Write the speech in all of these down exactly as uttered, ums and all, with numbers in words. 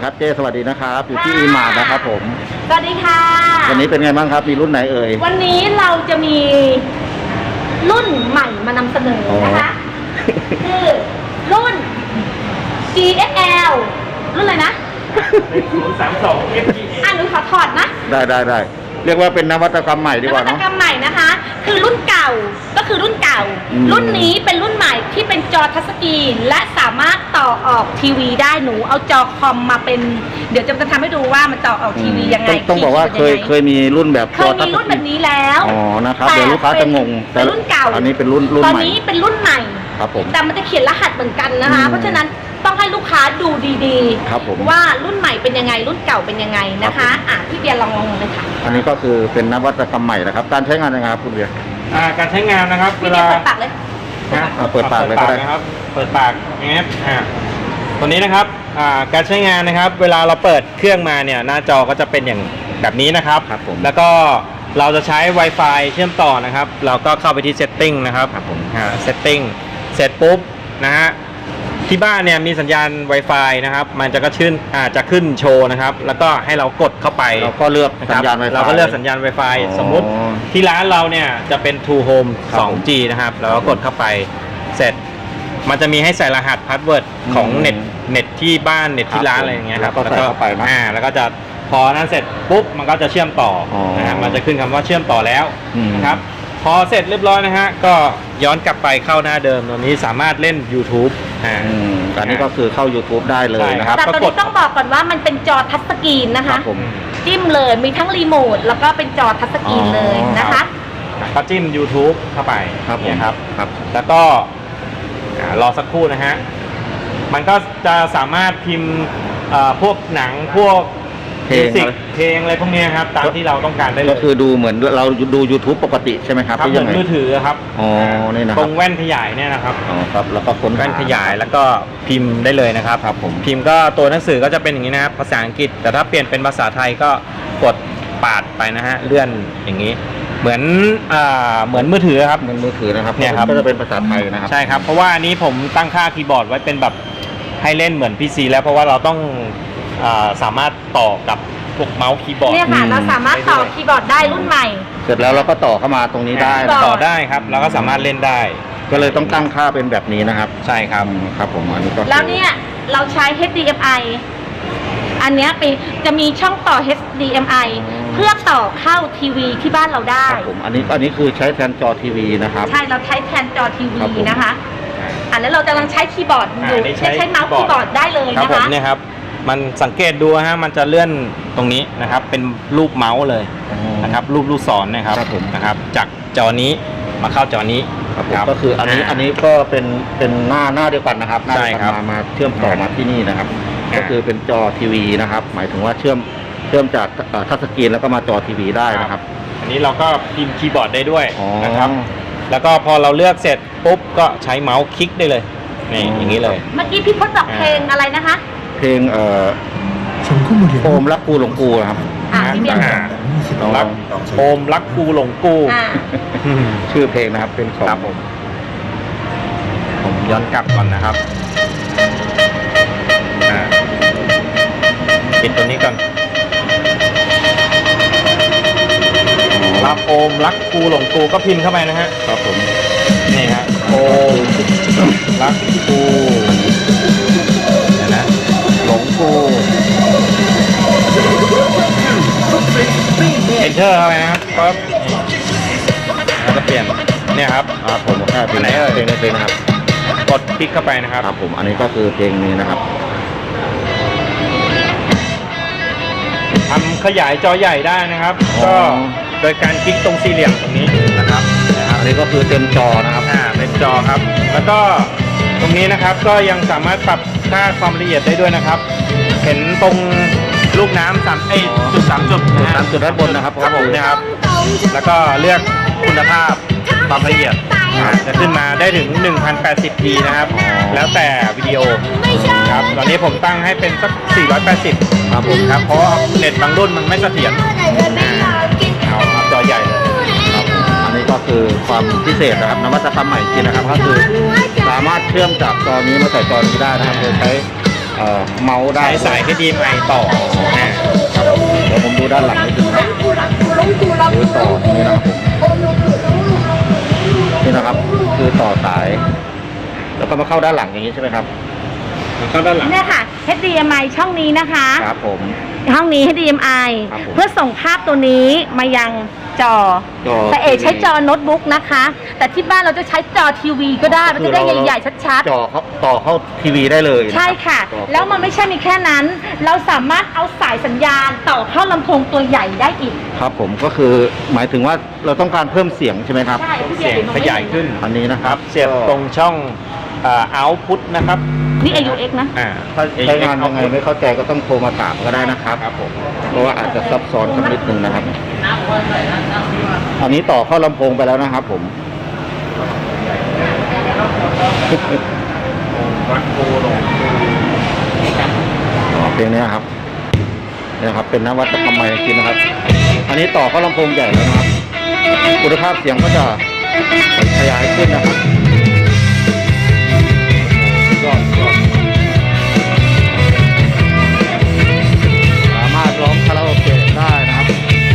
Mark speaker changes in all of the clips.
Speaker 1: ครับเจ้สวัสดีนะครับอยู่ที่อีมาร์นะครับผม
Speaker 2: สวัสดีค่ะ
Speaker 1: วันนี้เป็นไงบ้างครับมีรุ่นไหนเอ่ย
Speaker 2: วันนี้เราจะมีรุ่นใหม่มานำเสนอนะคะคือรุ่น จี เอส แอล รุ่นอะไรนะ
Speaker 3: ศูนย์สามสอง เอฟ จี
Speaker 2: อ่ะหนูขอถอดนะ
Speaker 1: ได้ได้ได้เรียกว่าเป็นนวัตกรรมใหม่ดีกว่าน
Speaker 2: วัตกรรมใหม่นะคะคือรุ่นเก่าก็คือรุ่นเก่ารุ่นนี้เป็นรุ่นใหม่ที่เป็นจอทัชสกรีนและสามารถต่อออกทีวีได้หนูเอาจอคอมมาเป็นเดี๋ยวจะทำให้ดูว่ามันต่อออกทีวียังไง
Speaker 1: ต้องบอกว่าเคยเคยมีรุ่นแบบ
Speaker 2: เคยมีรุ่นแบบนี้แล้ว
Speaker 1: อ๋อนะครับเดี๋ยวลูกค้าจะงง
Speaker 2: แต่รุ่นเก่า
Speaker 1: อันนี้เป็นรุ่นรุ่นใหม่
Speaker 2: ตอนนี้เป็นรุ่นใหม่
Speaker 1: ครับผม
Speaker 2: แต่มันจะเขียนรหัสเหมือนกันนะคะเพราะฉะนั้นต้องให้ลูกค้าดูดีๆว่ารุ่นใหม่เป็นยังไงรุ่นเก่าเป็นยังไงนะคะอ่ะพี่เบียร์ลองลองเลยค่ะ
Speaker 1: อันนี้ก็คือเป็นนวัตกรรมใหม่นะครับการใช้งานยังไงครับคุณเบียร์
Speaker 3: อ่าการใช้งานนะครับ
Speaker 2: พี่เบียร์เปิดปากเลย
Speaker 3: นะ
Speaker 1: เปิดปากเลยก็ได้
Speaker 3: นะครับเปิดปากอย่างเงี้ยอ่าตัวนี้นะครับอ่าการใช้งานนะครับเวลาเราเปิดเครื่องมาเนี่ยหน้าจอก็จะเป็นอย่างแบบนี้นะครับ
Speaker 1: ครับผม
Speaker 3: แล้วก็เราจะใช้ Wi-Fi เชื่อมต่อนะครับเราก็เข้าไปที่ Setting นะครับ
Speaker 1: ครับผม
Speaker 3: อ่า Setting เสร็จปุ๊บนะฮะที่บ้านเนี่ยมีสัญญาณ Wi-Fi นะครับมันจะก็ขึ้นอาจจะขึ้นโชว์นะครับแล้วก็ให้เรากดเข้าไป
Speaker 1: เราก็เลือกสัญญาณ Wi-Fi
Speaker 3: เราก็เลือกสัญญาณ Wi-Fi สมมุติที่ร้านเราเนี่ยจะเป็น True Home สอง จี นะครับเราก็กดเข้าไปเสร็จมันจะมีให้ใส่รหัสพาสเวิร์ดของเน็ตเน็ตที่บ้านเน็ตที่ร้านอะไรอย่างเงี้ยครับ
Speaker 1: แล้วก็ใส่เข้าไปนะ
Speaker 3: อ่าแล้วก็จะพอนั้นเสร็จปุ๊บมันก็จะเชื่อมต่อนะฮะมันจะขึ้นคำว่าเชื่อมต่อแล้วนะครับพอเสร็จเรียบร้อยนะฮะก็ย้อนกลับไปเข้าหน้าเดิมตัวนี้สามารถเล่น YouTube อ่า
Speaker 1: อันนี้ก็คือเข้า YouTube ได้เลยนะครับ
Speaker 2: แต่ตอนนี้ต้องบอกก่อนว่ามันเป็นจอทัชสกรีนนะคะจิ้มเลยมีทั้งรีโมทแล้วก็เป็นจอทัชสกรีนเลยนะคะ
Speaker 3: ก็จิ้ม YouTube เข้าไป
Speaker 1: ครับ
Speaker 3: เนี่ยครับ
Speaker 1: ครับ
Speaker 3: แล้วก็รอสักครู่นะฮะมันก็จะสามารถพิมพ์พวกหนังพวกเพลงเพลงอะไรพวกนี้ครับตามที่เราต้องการได้เลย
Speaker 1: ก็คือดูเหมือนเราดู YouTube ปกติใช่ไหมครับ
Speaker 3: ครับเหมือนมือถือครับ
Speaker 1: อ๋อนี่นะ
Speaker 3: ตรงแว่นขยายเนี่ยนะครับ
Speaker 1: อ๋อครับแล้วก็ค้น
Speaker 3: แว่นขยายแล้วก็พิมพ์ได้เลยนะครับ
Speaker 1: ครับผม
Speaker 3: พิมพ์ก็ตัวหนังสือก็จะเป็นอย่างนี้นะครับภาษาอังกฤษแต่ถ้าเปลี่ยนเป็นภาษาไทยก็กดปาดไปนะฮะเลื่อนอย่างนี้เหมือนอ่าเหมือนมือถือครับ
Speaker 1: เหมือนมือถือนะครับ
Speaker 3: เนี่ยครับ
Speaker 1: ก็จะเป็นภาษาไทยนะครับ
Speaker 3: ใช่ครับเพราะว่าอันนี้ผมตั้งค่าคีย์บอร์ดไว้เป็นแบบให้เล่นเหมือน พี ซี แล้วเพราะว่าเราต้องอ่าสามารถต่อกับพวกเมาส์คีย์บอร์ด
Speaker 2: เนี่ยค่ะเราสามารถต่อคีย์บอร์ดได้รุ่นใหม่
Speaker 1: เสร็จแล้วเราก็ต่อเข้ามาตรงนี้ได้
Speaker 3: ต่อได้ครับเราก็สามารถเล่นได้
Speaker 1: ก็เลยต้องตั้งค่าเป็นแบบนี้นะครับ
Speaker 3: ใช่ครับ
Speaker 1: ครับผมอันนี้ก็
Speaker 2: แล้วเนี่ยเราใช้ เอช ดี เอ็ม ไอ อันนี้เป็นจะมีช่องต่อ เอช ดี เอ็ม ไอ เพื่อต่อเข้าทีวีที่บ้านเราได้
Speaker 1: ครับผมอันนี้อันนี้คือใช้แทนจอทีวีนะครับ
Speaker 2: ใช่เราใช้แทนจอทีวีนะคะอันนั้นเรากำลังใช้คีย์บอร์ดอยู่ใช้ใช้เมาส์คีย์บอร์ดได้เลยนะคะ
Speaker 3: เนี่ยครับมันสังเกตดูฮะมันจะเลื่อนตรงนี้นะครับเป็นรูปเมาส์เลยนะครับรูปลูกศรนะครับนะครับจากจอนี้มาเข้าจอนี้
Speaker 1: ครับก็คืออันนี้อันนี้ก็เป็นเป็นหน้าหน้าเดียวกันนะครับหน้าเดียวกันมามาเชื่อมต่อมาที่นี่นะครับก็คือเป็นจอทีวีนะครับหมายถึงว่าเชื่อมเชื่อมจากทัชสกรีนแล้วก็มาจอทีวีได้นะครับ
Speaker 3: อันนี้เราก็พิมพ์คีย์บอร์ดได้ด้วยนะครับแล้วก็พอเราเลือกเสร็จปุ๊บก็ใช้เมาส์คลิกได้เลยนี่อย่างนี้เลย
Speaker 2: เมื่อกี้พี่พจน์บอกเพลงอะไรนะคะ
Speaker 1: เพลงเอ่อโอมรักกูหลงกูครับ
Speaker 2: อ่าพี่เบียร์
Speaker 3: รักโอมรักกูหลงกู
Speaker 1: ชื่อเพลงนะครับเป็นของ
Speaker 3: ครับผมผมย้อนกลับก่อนนะครับปิดตัวนี้ก่อนรักโอมรักกูหลงกูก็พิมพ์เข้าไปนะฮะ
Speaker 1: ครับผม
Speaker 3: นี่ฮะโอมรักกูเดี๋ยวนะหลงกูเอนเตอร์เข้าไปนะครับปั๊บแล้วก็เปลี่ยนเนี่ยครับ
Speaker 1: อ่าผมแค่เพลงไหนเอ่ยเพลงนี้เพลงนะครับ
Speaker 3: กดคลิกเข้าไปนะครับ
Speaker 1: ครับผมอันนี้ก็คือเพลงนี้นะครับ
Speaker 3: ทำขยายจอใหญ่ได้นะครับก็โดยการคลิกตรงสี่เหลี่ยมตรงนี้นะครับ
Speaker 1: อันนี้ก็คือเต็มจอนะครับ
Speaker 3: อ่าเต็มจอครับแล้วก็ตรงนี้นะครับก็ยังสามารถปรับค่าความละเอียดได้ด้วยนะครับเห็นตรงลูกน้ำสามเอ้จุดสามจุดนะฮะ
Speaker 1: สามจุดด้านบนนะครับ
Speaker 3: ครับผมนะครับแล้วก็เลือกคุณภาพความละเอียดจะขึ้นมาได้ถึง หนึ่งพันแปดสิบ พี นะครับแล้วแต่วิดีโอครับตอนนี้ผมตั้งให้เป็นสักสี่ร้อยแปดสิบครับผมครับเพราะเน็ตบางรุ่นมันไม่เสถียรเอาครับจอใหญ่เลย
Speaker 1: ครับอันนี้ก็คือความพิเศษนะครับนวัตกรรมใหม่จริงนะครับก็คือสามารถเชื่อมจากจอนี้มาใส่จอนี้ได้นะครับโดยใช้อ่อเมาส์ได้
Speaker 3: ใช้สาย เอช ดี เอ็ม ไอ ต่ออ่า
Speaker 1: ครับเดี๋ยวผมดูด้านหลังนิดนึงครับคือต่อนี่นะครับผมนี่นะครับคือต่อสาย แล้วก็มาเข้าด้านหลังอย่างนี้ใช่ไหมครับ
Speaker 3: เข้าด้านหลัง
Speaker 2: เนี่ยค่ะ เอช ดี เอ็ม ไอ ช่องนี้นะคะ
Speaker 1: ครับผม
Speaker 2: ห้องนี้ เอช ดี เอ็ม ไอ
Speaker 1: ครับผม
Speaker 2: เพื่อส่งภาพตัวนี้มายังจอ
Speaker 1: จอ
Speaker 2: แต่เอใช้จอโน้ตบุ๊กนะคะ แต่ที่บ้านเราจะใช้จอทีวีก็ได้มันจะได้ใหญ่ๆชัด
Speaker 1: จอเขาต่อเข้าทีวีได้เลย
Speaker 2: ๆ
Speaker 1: น
Speaker 2: ใช่ค่ะ
Speaker 1: จอ
Speaker 2: แล้วมันไม่ใช่มีแค่นั้น เราสามารถเอาสายสัญญาณต่อเข้าลำโพงตัวใหญ่ได้อีก
Speaker 1: ครับผมก็คือหมายถึงว่าเราต้องการเพิ่มเสียงใช่ไหมครับ
Speaker 2: ใช่
Speaker 3: เสียงขยายขึ้น
Speaker 1: อันนี้นะค
Speaker 3: ค
Speaker 1: รั
Speaker 3: รับ บเสียบตรงช่องเอ่อ output นะครับ
Speaker 2: นี่ เอ ยู เอ็กซ์ นะ
Speaker 3: อ่า
Speaker 1: ถ้าใช้งานยังไงไม่เข้าใจก็ต้องโทรมาถามก็ได้นะครับ
Speaker 3: ครับผม
Speaker 1: เพราะว่าอาจจะซับซ้อนสักนิดนึงนะครับ อันนี้ต่อเข้าลำโพงไปแล้วนะครับผม
Speaker 3: วัดโคลง
Speaker 1: อ๋อเพลงนี้ครับนี่นะครับ เป็นนวัตกรรมใหม่จริงๆนะครับ อันนี้ต่อเข้าลำโพงใหญ่แล้วนะครับ คุณภาพเสียงก็จะขยายขึ้นนะครับยอดยอดสามารถร้องคาราโอเกะได้นะครับ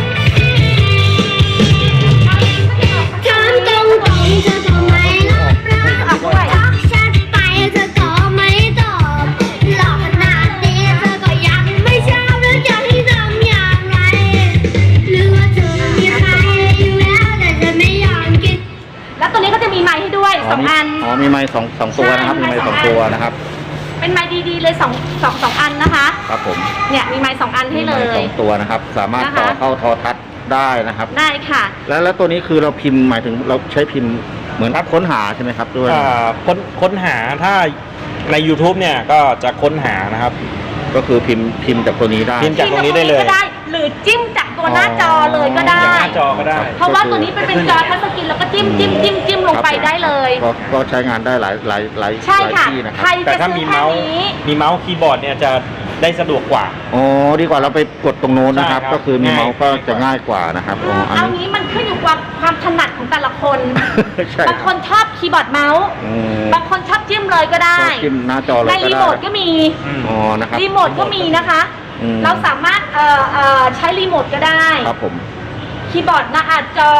Speaker 4: ถามตรงตรงเธอก็ไม่รับรักฉันไปเธอก็ไม่ตอบหลอกขนาดนี้เธอก็ยังไม่ชอบแล้วจะให้ทำอย่างไรหรือว่าเธอมีใครอยู่แล้วแต่จะไม่ยอมกิน
Speaker 2: แล้วตัวนี้ก็จะมีไมค์ให้ด้วยสองอัน
Speaker 1: อ๋อ มีไม้สองสองตัวนะครับ มีไม้สองตัวนะครับ
Speaker 2: เป็นไมค์ดีๆเลยสองสองสองอันนะคะ
Speaker 1: ครับผม
Speaker 2: เนี่ยมีไมค์สองอันให้เล
Speaker 1: มีไม้
Speaker 2: ย
Speaker 1: สองตัวนะครับ สามารถ
Speaker 2: นะคะ
Speaker 1: ต่อเข้าโทรทัศน์ได้นะครับ
Speaker 2: ได้ค่ะ
Speaker 1: แล้วแล้วตัวนี้คือเราพิมพ์หมายถึงเราใช้พิมพ์เหมือนค้นหาใช่ไหมครับด้วย
Speaker 3: อ่าค้นค้นหาถ้าใน YouTube เนี่ยก็จะค้นหานะครับ
Speaker 1: ก็คือพิมพ์พิมพ์จากตัวนี้ได้
Speaker 3: พิมพ์ จากตรงนี้ได้เลย
Speaker 2: ก็ได้ หรือจิ้มจากตัวหน้าจอเลยก็ได้
Speaker 3: จากหน้าจอก็ได้
Speaker 2: เพราะว่าตัวนี้เป็นเป็นจอทัชสกรีนแล้วก็จิ้มจิ้มจิ้มจิ้มลงไปได้เลย
Speaker 1: ก็ก็ใช้งานได้หลายหลายหลาย
Speaker 2: ใช่
Speaker 1: หลาย
Speaker 2: ค่ะ
Speaker 1: ที่นะค
Speaker 2: ใคร
Speaker 1: รับ
Speaker 3: แต่
Speaker 2: จะ
Speaker 3: ถ้า
Speaker 2: ซื้
Speaker 3: มี
Speaker 2: อแค่
Speaker 3: เมาส์
Speaker 2: นี้
Speaker 3: มีเมาส์คีย์บอร์ดเนี่ยจะได้สะดวกกว่า
Speaker 1: อ๋อดีกว่าเราไปกดตรงโน้นนะครับ
Speaker 3: ใช่ครับ
Speaker 1: ก็คือมี
Speaker 3: ง่าย
Speaker 1: เมาส์ก็จะง่ายกว่านะครับอ๋ออัน
Speaker 2: เอา
Speaker 1: นี้
Speaker 2: งี้มันขึ้นอยู่กับความถนัดของแต่ละคน
Speaker 1: ใช่
Speaker 2: บางคนชอบคีย์บอร์ดเมาส์
Speaker 1: อืม
Speaker 2: บางคนชอบจิ้มเลยก็ได้
Speaker 1: ก็จิ้มหน้าจอเลย
Speaker 2: ใน
Speaker 1: ก็
Speaker 2: รี
Speaker 1: ได้
Speaker 2: โมทก็มี
Speaker 1: อ๋อนะครับ
Speaker 2: รีโมทก็มีนะคะ
Speaker 1: อืม
Speaker 2: เราสามารถเอ่อเอ่อใช้รีโมทก็ได้
Speaker 1: ครับผม
Speaker 2: คีย์บอร์ดหน้าอาจอ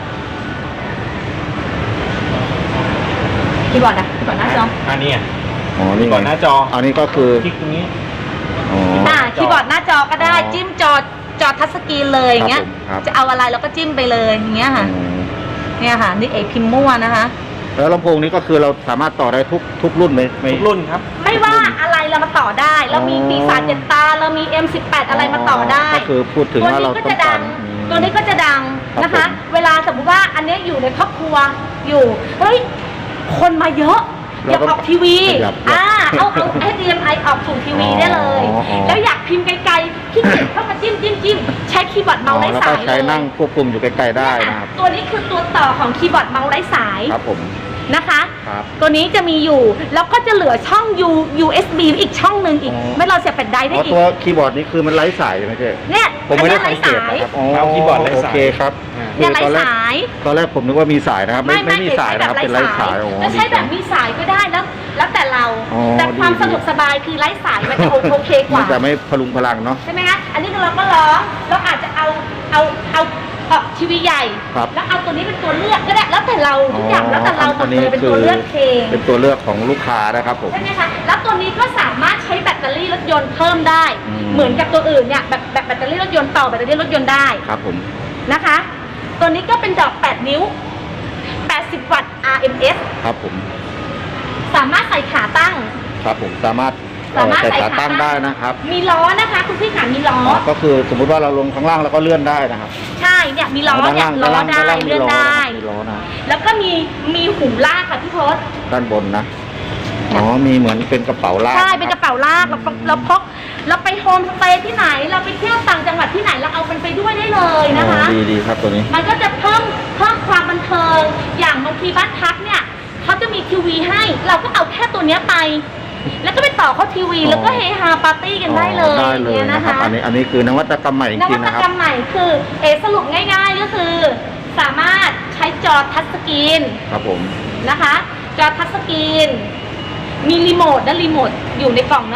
Speaker 2: คีย์บอร์ดอะคีย์บอร์ดหน้าจอ
Speaker 3: อันนี้อ่ะ
Speaker 1: อ๋อนี่
Speaker 3: ก่อนหน้าจอ
Speaker 1: อันนี้ก็คือ
Speaker 3: คลิกตรงนี้
Speaker 1: อ๋อ
Speaker 2: อ่าคีย์บอร์ดหน้าจอก็ได้
Speaker 1: อ๋อ
Speaker 2: จิ้มจอจอทัชสกรีนเลยอย่างเงี้ย
Speaker 1: ครับผมครับ
Speaker 2: จะเอาอะไรเราก็จิ้มไปเลยอย่างเงี้ยค่ะ
Speaker 1: อืม
Speaker 2: เนี่ยค่ะนี่เอกพิมพ์มั่วนะคะ
Speaker 1: แล้วลำโพงนี้ก็คือเราสามารถต่อได้ทุกทุกรุ่นไหมไม่
Speaker 3: ทุกรุ่นครับ
Speaker 2: ไม่ว่าอะไรเรามาต่อได้ เรามี
Speaker 1: อ๋อ
Speaker 2: ปีศาจเจ็ดตา เรามี เอ็ม สิบแปด อะไรมาต่อได้
Speaker 1: ก็คือพูดถึง
Speaker 2: ตัว
Speaker 1: ว่าเรา
Speaker 2: นี้ก็
Speaker 1: ต้อ
Speaker 2: จะ
Speaker 1: งกา
Speaker 2: ดั
Speaker 1: รง อืม
Speaker 2: ตัวนี้ก็จะดังนะ
Speaker 1: ครั
Speaker 2: คะ
Speaker 1: บผม
Speaker 2: เวลาสมมติว่าอันเนี้ยอยู่ในครอบครัวอยู่ เฮ้ย คนมาเยอะอยากออกทีวี
Speaker 1: ขยับ
Speaker 2: อ่า เอาเอา เอช ดี เอ็ม ไอ ออกสู่ทีวีได้เลย
Speaker 1: อ๋ออ๋อ
Speaker 2: แล้วอยากพิมพ์ไกลๆขี้เกียจเข้ามาจิ้มจิ้มจิ้มใช้คีย์บอร์ด
Speaker 1: อ๋อ
Speaker 2: เมาส์ไร้
Speaker 1: แล้ว
Speaker 2: สา
Speaker 1: ก็
Speaker 2: ย
Speaker 1: ใช้
Speaker 2: เลย
Speaker 1: นั่งควบคุมอยู่ใกล้ๆได้นะครับ
Speaker 2: ตัวนี้คือตัวต่อของคีย์บอร์ดเมาส์ไร้สาย
Speaker 1: ครับผม
Speaker 2: นะคะ
Speaker 1: ครับ
Speaker 2: ตัวนี้จะมีอยู่ แล้วก็จะเหลือช่อง U ยู เอส บี อีกช่องหนึ่งอีก
Speaker 1: อ๋อ
Speaker 2: ไม่เราเสียบแผ่นไดร์ได้
Speaker 1: อ๋อ
Speaker 2: อีก
Speaker 1: ตัวคีย์บอร์ดนี้คือมันไร้สายใช่ไหมเจ๊
Speaker 2: เนี่ย
Speaker 1: ผมไม่ได้
Speaker 2: อั
Speaker 1: สั
Speaker 2: น
Speaker 1: ง
Speaker 2: นี้
Speaker 1: เก
Speaker 2: ไร้
Speaker 1: ต
Speaker 2: สาย
Speaker 1: นะครับอ๋อ
Speaker 3: เอาคีย์บอร์ดไร้สาย
Speaker 1: โอเคครับ
Speaker 2: เนี่ยไร้
Speaker 1: ตอนแรก
Speaker 2: สาย
Speaker 1: ตอนแรกผมนึกว่ามีสายนะครับ ไม่ไม่มีสายนะครับ เป็นไร้สายอ๋อ
Speaker 2: จะใช้แบบมีสายก็ได้แล้ว แล้วแต่เรา
Speaker 1: อ๋อ
Speaker 2: แต่ความ
Speaker 1: ดี
Speaker 2: สะดวกสบายคือไร้สายมันจะโอเคก
Speaker 1: มั
Speaker 2: ว่า
Speaker 1: นจะไม่พลุงพลังเนาะ
Speaker 2: ใช่ไหมคะอันนี้เราก็ร้องเราอาจจะเอาเอาเอาออกทีวีใหญ่
Speaker 1: ครับ
Speaker 2: แล้วเอาตัวนี้เป็นตัวเลือกก็ได้แล้วแต่เราทุกอย่างแล้วแต่เราหมดเลยเป็นตัวเลือกเอง
Speaker 1: เป็นตัวเลือกของลูกค้านะครับผม
Speaker 2: ใช่ไหมคะ แล้วตัวนี้ก็สามารถใช้แบตเตอรี่รถยนต์เพิ่มได้
Speaker 1: อืม
Speaker 2: เหมือนกับตัวอื่นเนี่ยแบบแบบแบตเตอรี่รถยนต์ต่อแบตเตอรี่รถยนต์ได้
Speaker 1: ครับผม
Speaker 2: นะคะ ตัวนี้ก็เป็นดอกแปดนิ้ว แปดสิบ วัตต์ อาร์ เอ็ม เอส
Speaker 1: ครับผม
Speaker 2: สามารถใส่ขาตั้ง
Speaker 1: ครับผมสามารถเอ่
Speaker 2: สา
Speaker 1: อ
Speaker 2: มารถ
Speaker 1: ใส่
Speaker 2: ใส่
Speaker 1: ขา
Speaker 2: ขา
Speaker 1: ตั้งได้นะครับ
Speaker 2: มีล้อนะคะ คุณพี่ขามีล้อ
Speaker 1: อ๋อก็คือสมมุติว่าเราลงข้างล่างแล้วก็เลื่อนได้นะครับ
Speaker 2: ใช่ เนี่ยมีล้อ
Speaker 1: ด้าน
Speaker 2: เนี่ย
Speaker 1: ล่าง
Speaker 2: ล้อ
Speaker 1: ด้านล่างด้านล่างมี
Speaker 2: ได้เลื่อน
Speaker 1: ล้อ
Speaker 2: ได้
Speaker 1: นะครับมีล้อนะ
Speaker 2: แล้วก็มีมีหูลากค่ะพี่พศ
Speaker 1: ด้านบนนะ อ๋อ มีเหมือนเป็นกระเป๋าลาก
Speaker 2: ใช่ เป็นกระ
Speaker 1: คบ
Speaker 2: เป๋าลากเราเราพกเราไปโฮมสเตย์ที่ไหน เราไปเที่ยวต่างจังหวัดที่ไหนเราเอามันไปด้วยได้เลยนะคะ
Speaker 1: อ๋อดีดีครับตัวนี้
Speaker 2: มันก็จะเพิ่มเพิ่มความบันเทิง อย่างบางทีบ้านพักเนี่ยเขาจะมีทีวีให้ เราก็เอาแค่ตัวเนี้ยไป แล้วก็ไปต่อเข้าทีวี
Speaker 1: อ๋อ
Speaker 2: แล้วก็เฮฮาปาร์ตี้กันได้เลย
Speaker 1: อ๋อได้เลย
Speaker 2: นี่
Speaker 1: นะ
Speaker 2: นะ
Speaker 1: ครั
Speaker 2: คะ
Speaker 1: บ อันนี้อันนี้คือนวัตกรรมใหม่จ
Speaker 2: น
Speaker 1: ริ
Speaker 2: วั
Speaker 1: งๆ
Speaker 2: ต
Speaker 1: นะค
Speaker 2: กร
Speaker 1: รั
Speaker 2: ร
Speaker 1: บ
Speaker 2: มใหม่คือเอสรุปง่ายๆก็คือ สามารถใช้จอทัชสกรีน
Speaker 1: ครับผม
Speaker 2: นะคะ จอทัชสกรีน มีรีโมทและรีโมทอยู่ในกล่องเนาะ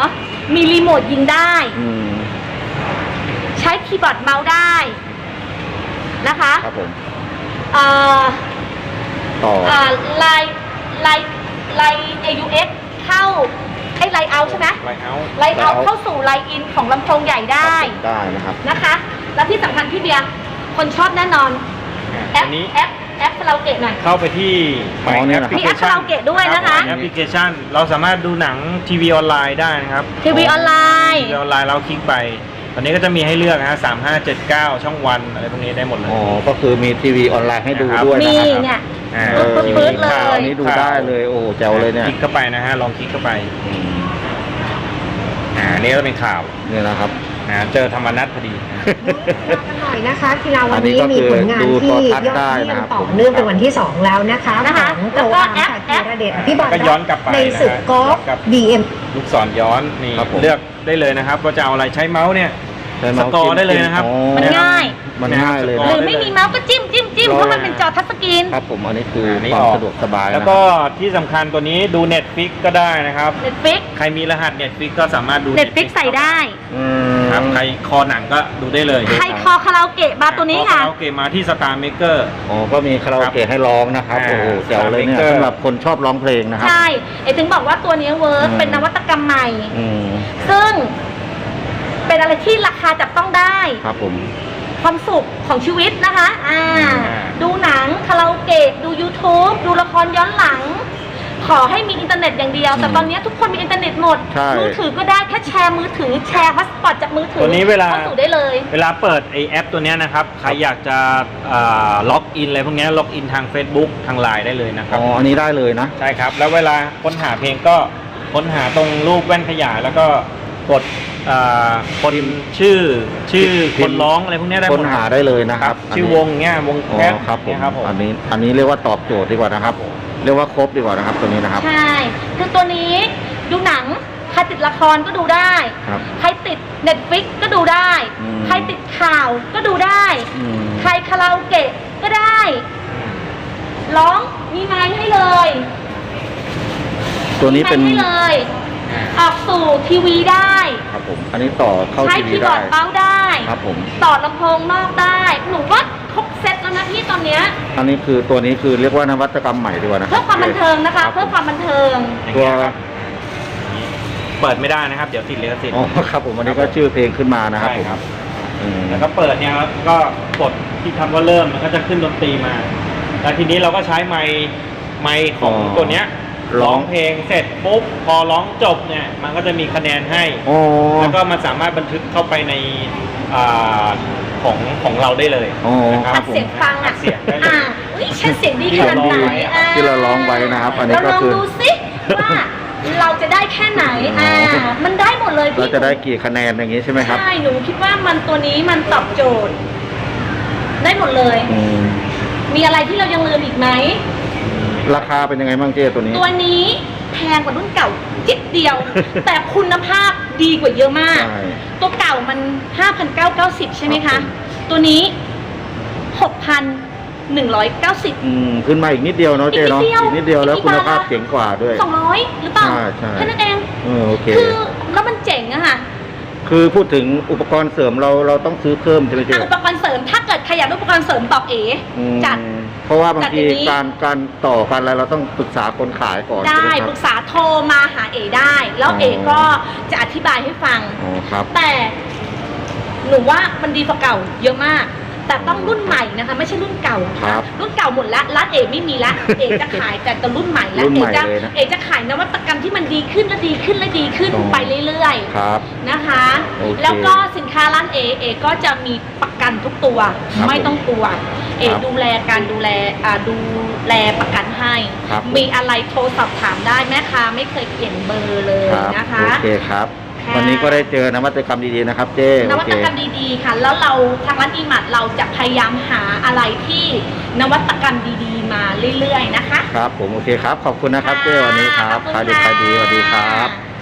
Speaker 2: มีรีโมทยิงได้
Speaker 1: อืม
Speaker 2: ใช้คีย์บอร์ดเมาส์ได้นะคะ
Speaker 1: ครับผม
Speaker 2: เอ่อ
Speaker 1: ต่อ
Speaker 2: เอ่อไลน์ไลน์ไลน์ เอ ยู เอ็กซ์ เข้าไอ้ไลน์เอาใช่ไหม
Speaker 3: ไลท์เอาท์
Speaker 2: ไลน์เอาเข้าสู่ไลน์อินของลำโพงใหญ่ได้
Speaker 1: ได้นะครับ
Speaker 2: นะคะ แล้วที่สำคัญพี่เบียร์คนชอบแน่นอนแอ
Speaker 3: อั
Speaker 2: ป
Speaker 3: นนี้
Speaker 2: แอปแอปคาราโอเกะหน่อย
Speaker 3: เข้าไปที่
Speaker 1: อ๋อเนี่ยนะ
Speaker 2: มีแอปคาราโอเกะด้วยนะคะ
Speaker 3: แอปพลิเคชันเราสามารถดูหนังทีวีออนไลน์ได้นะครับ
Speaker 2: ทีวีออนไลน์
Speaker 3: ทีวีออนไลน์เราคลิกไป ตอนนี้ก็จะมีให้เลือกนะฮะสามห้าเจ็ดเก้าช่องวันอะไรพวกนี้ได้หมดเลย
Speaker 1: อ๋อ ก็คือมีทีวีออนไลน์ให้ดู
Speaker 3: นะครับ
Speaker 1: ด้วยนะ
Speaker 2: มี
Speaker 1: ครับ
Speaker 2: เนี่ย
Speaker 3: อ่า
Speaker 1: เออ
Speaker 2: ปื๊ดๆเลย
Speaker 3: ข่าว
Speaker 1: อันนี้ดูได้เลย โอ้โหแจ๋วเลยเนี่ย
Speaker 3: คลิกเข้าไปนะฮะลองคลิกเข้าไป
Speaker 1: อืม
Speaker 3: อ่าอันนี้ก็เป็นข่าว
Speaker 1: เนี่ยนะครับ
Speaker 3: อ่าเจอธรรมนัฐพอดี
Speaker 5: กันหน่อยนะคะกีฬาวันนี้
Speaker 1: อันนี้ก็คือ
Speaker 5: มีผลงาน
Speaker 1: ดู
Speaker 5: ที่
Speaker 1: โทร
Speaker 5: ย
Speaker 1: ทั
Speaker 5: อ
Speaker 1: ศ
Speaker 5: ด
Speaker 1: น์ได้
Speaker 5: เยี่ย
Speaker 1: นะ
Speaker 5: ม
Speaker 1: ครับ
Speaker 5: ต่อเนื่องเป็นวันที่สองแล้วนะคะ
Speaker 2: นะคะ
Speaker 5: ของ
Speaker 2: แล้
Speaker 5: โก
Speaker 2: วก็
Speaker 5: อาร์ม
Speaker 2: แอป
Speaker 5: ค่ะธีรเดชอภิบาล
Speaker 3: ก็ย้อนกลับไป
Speaker 5: ในศึก
Speaker 3: นะฮะ
Speaker 5: กอล์ฟ
Speaker 3: ย้อนกลับ
Speaker 5: บี เอ็ม
Speaker 3: ลูกศรย้อนนี่
Speaker 1: ครับผม
Speaker 3: เลือกได้เลยนะครับว่าจะเอาอะไรใช้เมาส์เนี่ย
Speaker 1: ใช้
Speaker 3: ส
Speaker 1: เมาส์
Speaker 3: กอ
Speaker 1: จิ้
Speaker 3: ร์ได้เลยนะครับ
Speaker 1: อ๋อ
Speaker 2: มันง่าย
Speaker 1: มันง่ายเลย
Speaker 3: ส
Speaker 1: นะ
Speaker 2: ห
Speaker 3: ก
Speaker 2: รือไม่มีเมาส์ก็จิ้มจิ้มจิ้มเพราะมันเป็นจอทัชสกรีน
Speaker 1: ครับผมอันนี้คือ
Speaker 3: อันนี้
Speaker 1: ความ
Speaker 3: ออก
Speaker 1: สะดวกสบาย
Speaker 3: แล้ว
Speaker 1: นะค
Speaker 3: ก็
Speaker 1: รับ
Speaker 3: ที่สำคัญตัวนี้ดู Netflix ก็ได้นะครับ
Speaker 2: เน็ตฟิก
Speaker 3: ใครมีรหัส Netflix ก็สามารถดู
Speaker 2: เน็ตฟิกใส่ได้
Speaker 1: อืม
Speaker 3: ครับใครคอหนังก็ดูได้เลย
Speaker 2: ใครคอคาราโอเกะมาตัวนี้ค่ะ
Speaker 3: โอเคมาที่ Star Maker
Speaker 1: อ๋อ ก็มีคาราโอเกะให้ร้องนะครับ
Speaker 3: อ่า
Speaker 1: โอ้โหแจ๋วเลยเนี่ย
Speaker 3: Star Maker
Speaker 1: สำหรับคนชอบร้องเพลงนะครับ
Speaker 2: ใช่เอถึงบอกว่าตัวนี้เวิร์ก
Speaker 1: อืม
Speaker 2: เป็นนวัตกรรมใหม่
Speaker 1: อืม
Speaker 2: ซึ่งเป็นอะไรที่ราคาจับต้องได้
Speaker 1: ครับผม
Speaker 2: ความสุขของชีวิตนะคะ อ่า
Speaker 3: อ่า
Speaker 2: ดูหนังคาราโอเกะ ดู YouTube ดูละครย้อนหลัง ขอให้มีอินเทอร์เน็ตอย่างเดียว แต่
Speaker 1: อืม
Speaker 2: ตอนนี้ทุกคนมีอินเทอร์เน็ตหมด
Speaker 1: ใช่
Speaker 2: มือถือก็ได้แค่แชร์มือถือ แชร์ฮอตสปอตจากมือถือ
Speaker 3: ตัวนี้เวลา
Speaker 2: เข้าสู่ได้เลย
Speaker 3: เวลาเปิดไอแอปตัวเนี้ยนะครับ ใครอยากจะอ่าล็อกอินอะไรพวกเนี้ยล็อกอินทาง Facebook ทาง ไลน์ ได้เลยนะครั
Speaker 1: อ๋
Speaker 3: บ
Speaker 1: อ อันนี้ได้เลยนะ
Speaker 3: ใช่ครับ แล้วเวลาค้นหาเพลงก็ค้นหาตรงรูปแว่นขยายแล้วก็กดอ่าคนชื่อชื่อ
Speaker 1: พิ
Speaker 3: ค
Speaker 1: มพ์
Speaker 3: นร้องอะไรพวกเนี้ยได้หม
Speaker 1: ค้
Speaker 3: ด
Speaker 1: นหาได้เลยนะ
Speaker 3: ค
Speaker 1: ค
Speaker 3: รั
Speaker 1: รั
Speaker 3: บบ ชื่อวงเงี้ยวง
Speaker 1: อ๋อ
Speaker 3: แคท
Speaker 1: ครับผม
Speaker 3: เนี่ยครับผม
Speaker 1: อันนี้ อันนี้เรียกว่าตอบโจทย์ดีกว่านะครับ เรียกว่าครบดีกว่านะครับ ตัวนี้นะครับ
Speaker 2: ใช่ คือตัวนี้ดูหนัง ใครติดละครก็ดูได้
Speaker 1: ครับ
Speaker 2: ใครติด Netflix ก็ดูได้
Speaker 1: อืม
Speaker 2: ใครติดข่าวก็ดูได้
Speaker 1: อืม
Speaker 2: ใครคาราโอเกะก็ได้ ร้องมีไมค์ให้เลย
Speaker 1: ตัวนี้เป็น
Speaker 2: มีไมค์ให้เลย ออกสู่ทีวีได้
Speaker 1: ครับผม อันนี้ต่อเข้า
Speaker 2: ใช้
Speaker 1: ทีวี
Speaker 2: คีย์บอ
Speaker 1: ได้
Speaker 2: ร์ดเมาส์ได้
Speaker 1: ครับผม
Speaker 2: ต่อลำโพงนอกได้ หนูว่าครบเซ็ตแล้วนะพี่ตอนเนี้ย
Speaker 1: อันนี้คือตัวนี้คือเรียกว่านวัตกรรมใหม่ดีกว่านะครั
Speaker 2: เพื่อความบันเทิงนะคะ
Speaker 1: รับ
Speaker 2: เพื่อความบันเทิง
Speaker 3: อย่าง
Speaker 1: ตัว
Speaker 3: เงี้ยครับเปิดไม่ได้นะครับ เดี๋ยวติดลิขสิทธิ์
Speaker 1: อ๋อ ครับผม อันนี้ก็ชื่อเพลงขึ้นมานะครับ
Speaker 3: ใช่
Speaker 1: ผม
Speaker 3: ครับ
Speaker 1: อืม
Speaker 3: แล้วก็เปิดเนี่ยครับก็กดที่คำว่าเริ่มมันก็จะขึ้นดนตรีมา แล้วทีนี้เราก็ใช้ไมค์ไมค์ของตัวเนี้ยร้องเพลงเสร็จปุ๊บพอร้องจบเนี่ยมันก็จะมีคะแนนให้
Speaker 1: อ๋อ
Speaker 3: แล้วก็มันสามารถบันทึกเข้าไปในอาของของเราได้เลย
Speaker 1: อ๋อ
Speaker 3: นะค
Speaker 1: ครั
Speaker 3: รั
Speaker 1: บบ ผม
Speaker 2: เสียงฟัง
Speaker 3: อั
Speaker 2: อ่ะ
Speaker 3: ดเสียงได้เลย
Speaker 2: อ่าอุ้ยฉันเสียงดีขนาดไหนอ่
Speaker 1: ที่เราร้องไว้นะครับอันนี้ก็คือ
Speaker 2: เราลองดูสิว่าเราจะได้แค่ไหน อ่า มันได้หมดเลย
Speaker 1: เรา
Speaker 2: พี่
Speaker 1: จะได้กี่คะแนนอย่างนี้ใช่ไหมครับ
Speaker 2: ใช่หนูคิดว่ามันตัวนี้มันตอบโจทย์ ได้หมดเลย
Speaker 1: อืม
Speaker 2: มีอะไรที่เรายังลืมอีกไหม
Speaker 1: ราคาเป็นยังไงบ้างเจ้ตัวนี้
Speaker 2: ตัวนี้แพงกว่ารุ่นเก่าจิดเดียว แต่คุณภาพดีกว่าเยอะมาก
Speaker 1: ใช่
Speaker 2: ตัวเก่ามัน ห้าพันเก้าร้อยเก้าสิบ ใช่ไหม
Speaker 1: ครั
Speaker 2: คะ
Speaker 1: บผม
Speaker 2: ตัวนี้ หกพันหนึ่งร้อยเก้าสิบ
Speaker 1: อืมขึ้นมาอีกนิดเดียวเนาะเจ้เนาะ
Speaker 2: อีกนิดเดียว
Speaker 1: อีกนิดเดียวแล้ว
Speaker 2: อีก
Speaker 1: คุณ
Speaker 2: บาท
Speaker 1: ภาพ
Speaker 2: ละ
Speaker 1: เจ๋งกว่าด้วย
Speaker 2: สองร้อยหรือเปล่า
Speaker 1: ใช่ใช่
Speaker 2: แค่นั้นเอง
Speaker 1: เออโอเค
Speaker 2: คือแล้วมันเจ๋งอะค่ะ
Speaker 1: คือพูดถึงอุปกรณ์เสริมเราเราต้องซื้อเพิ่มใช่ไหมเจ๊
Speaker 2: อ่ะอุปกรณ์เสริมถ้าเกิดใครอยากได้อุปกรณ์เสริมบอกเอ๋
Speaker 1: อืม
Speaker 2: จัด
Speaker 1: เพราะว่าบาง
Speaker 2: จัด
Speaker 1: ที
Speaker 2: อย่างนี้
Speaker 1: การการต่อการอะไรเราต้องปรึกษาคนขายก่อน
Speaker 2: ได้
Speaker 1: ใช่ไหมค
Speaker 2: ป
Speaker 1: รั
Speaker 2: รึ
Speaker 1: บ
Speaker 2: กษาโทรมาหาเอ๋ได้ แล้ว
Speaker 1: อ๋อ
Speaker 2: เอ๋ก็จะอธิบายให้ฟัง
Speaker 1: อ๋อครับ
Speaker 2: แต่หนูว่ามันดีกว่าเก่าเยอะมาก แต่ต้องรุ่นใหม่นะคะ ไม่ใช่รุ่นเก่า
Speaker 1: ครับ
Speaker 2: รุ่นเก่าหมดละร้านเอ๋ไม่มีละ เอ๋จะขายแต่ตัวรุ่นใหม่ละ
Speaker 1: รุ่น
Speaker 2: เอ๋
Speaker 1: ใหม่
Speaker 2: จะ
Speaker 1: เลยนะ
Speaker 2: เอ๋จะขายนวัตกรรมที่มันดีขึ้นและดีขึ้นและดีขึ้น
Speaker 1: อ๋อ
Speaker 2: ไปเรื่อย
Speaker 1: ครับ
Speaker 2: ๆนะคะ
Speaker 1: โอเค
Speaker 2: แล้วก็สินค้าร้านเอ๋เอ๋ก็จะมีประกันทุกตัว
Speaker 1: ครับ
Speaker 2: ไม่ต้องกลัว เอ๋
Speaker 1: ครับ
Speaker 2: ดูแลการดูแลอ่าดูแลประกันให้
Speaker 1: ครับ
Speaker 2: มีอะไรโทรสอบถามได้แม่ค้าไม่เคยเปลี่ยนเบอร์เลย
Speaker 1: ครับ
Speaker 2: นะคะ
Speaker 1: โอเคครับ
Speaker 2: ค่ะ
Speaker 1: วันนี้ก็ได้เจอนวัตกรรมดีๆนะครับเจ้
Speaker 2: น
Speaker 1: โอ
Speaker 2: วั
Speaker 1: เค
Speaker 2: ตกรรมดีๆค่ะ แล้วเราทางร้านอีมัดเราจะพยายามหาอะไรที่นวัตกรรมดีๆ มาเรื่อยๆนะคะ
Speaker 1: ครับผมโอเคครับ ขอบคุณนะครับเจ้วันนี้ครับ
Speaker 2: ขอบ
Speaker 1: ขาย
Speaker 2: คุ
Speaker 1: ดี
Speaker 2: ณ
Speaker 1: ขายดีสวัสดีค
Speaker 2: ค่ะ
Speaker 1: รับ